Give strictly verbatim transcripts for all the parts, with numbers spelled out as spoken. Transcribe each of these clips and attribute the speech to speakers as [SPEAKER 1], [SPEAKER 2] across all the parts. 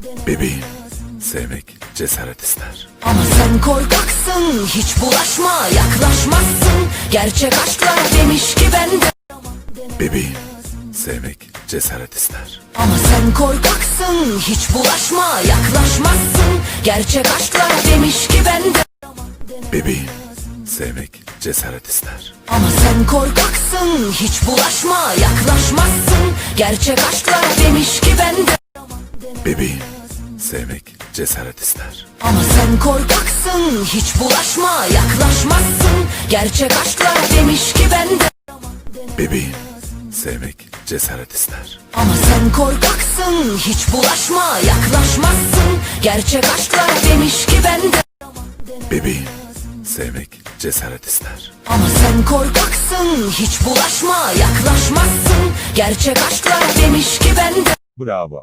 [SPEAKER 1] Bebeğim, sevmek cesaret ister.
[SPEAKER 2] Ama sen korkaksın, hiç bulaşma, yaklaşmazsın. Gerçek aşklar demiş ki bende.
[SPEAKER 1] Bebeğim, sevmek cesaret ister.
[SPEAKER 2] Ama sen korkaksın, hiç bulaşma, yaklaşmazsın. Gerçek aşklar demiş ki bende.
[SPEAKER 1] Bebeğim, sevmek cesaret ister.
[SPEAKER 2] Ama sen korkaksın, hiç bulaşma, yaklaşmazsın. Gerçek aşklar demiş ki bende.
[SPEAKER 1] Bebeğim, sevmek cesaret ister.
[SPEAKER 2] Ama sen korkaksın, hiç bulaşma, yaklaşmazsın. Gerçek aşklar demiş ki bende.
[SPEAKER 1] Bebeğim, sevmek cesaret ister.
[SPEAKER 2] Ama sen korkaksın, hiç bulaşma, yaklaşmazsın. Gerçek aşklar demiş ki bende.
[SPEAKER 1] Bebeğim, sevmek cesaret ister.
[SPEAKER 2] Ama sen korkaksın, hiç bulaşma, yaklaşmazsın. Gerçek aşklar demiş ki bende.
[SPEAKER 3] Bravo.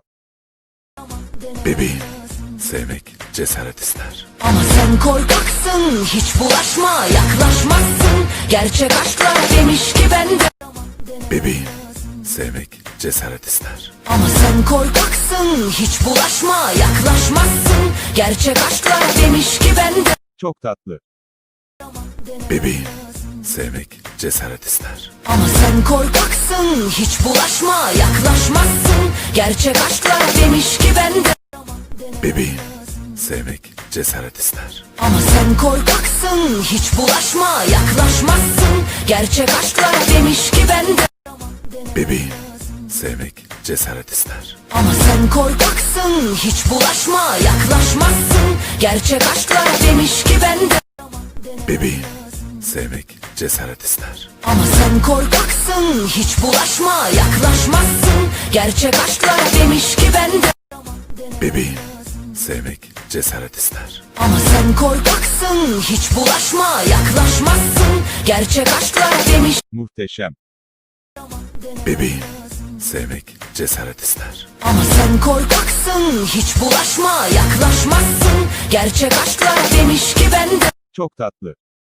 [SPEAKER 1] Bebeğim, sevmek cesaret ister.
[SPEAKER 2] Ama sen korkaksın, hiç bulaşma, yaklaşmazsın. Gerçek aşklar demiş ki bende.
[SPEAKER 1] Bebeğim, sevmek cesaret ister.
[SPEAKER 2] Ama sen korkaksın, hiç bulaşma, yaklaşmazsın. Gerçek aşklar demiş ki bende.
[SPEAKER 3] Çok tatlı.
[SPEAKER 1] Bebeğim, sevmek cesaret ister.
[SPEAKER 2] Ama sen korkaksın, hiç bulaşma, yaklaşmazsın. Gerçek aşklar demiş ki bende.
[SPEAKER 1] Bebeğim, sevmek cesaret ister.
[SPEAKER 2] Ama sen korkaksın, hiç bulaşma, yaklaşmazsın. Gerçek aşklar demiş ki bende.
[SPEAKER 1] Bebeğim, sevmek cesaret ister.
[SPEAKER 2] Ama sen korkaksın, hiç bulaşma, yaklaşmazsın. Gerçek aşklar demiş ki bende.
[SPEAKER 1] Bebeğim, sevmek cesaret ister.
[SPEAKER 2] Ama sen korkaksın, hiç bulaşma, yaklaşmazsın. Gerçek aşklar demiş ki bende.
[SPEAKER 1] Bebeğim, sevmek cesaret ister.
[SPEAKER 2] Ama sen korkaksın, hiç bulaşma, yaklaşmazsın. Gerçek aşklar demiş.
[SPEAKER 3] Muhteşem.
[SPEAKER 1] Bebeğim, sevmek cesaret ister.
[SPEAKER 2] Ama sen korkaksın, hiç bulaşma, yaklaşmazsın. Gerçek aşklar demiş ki bende.
[SPEAKER 3] Çok tatlı.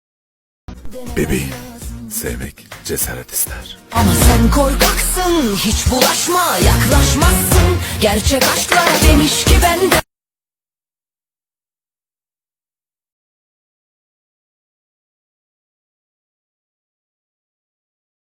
[SPEAKER 1] Bebeğim, sevmek cesaret ister.
[SPEAKER 2] Ama sen korkaksın, hiç bulaşma, yaklaşmazsın. Gerçek aşklar demiş ki bende.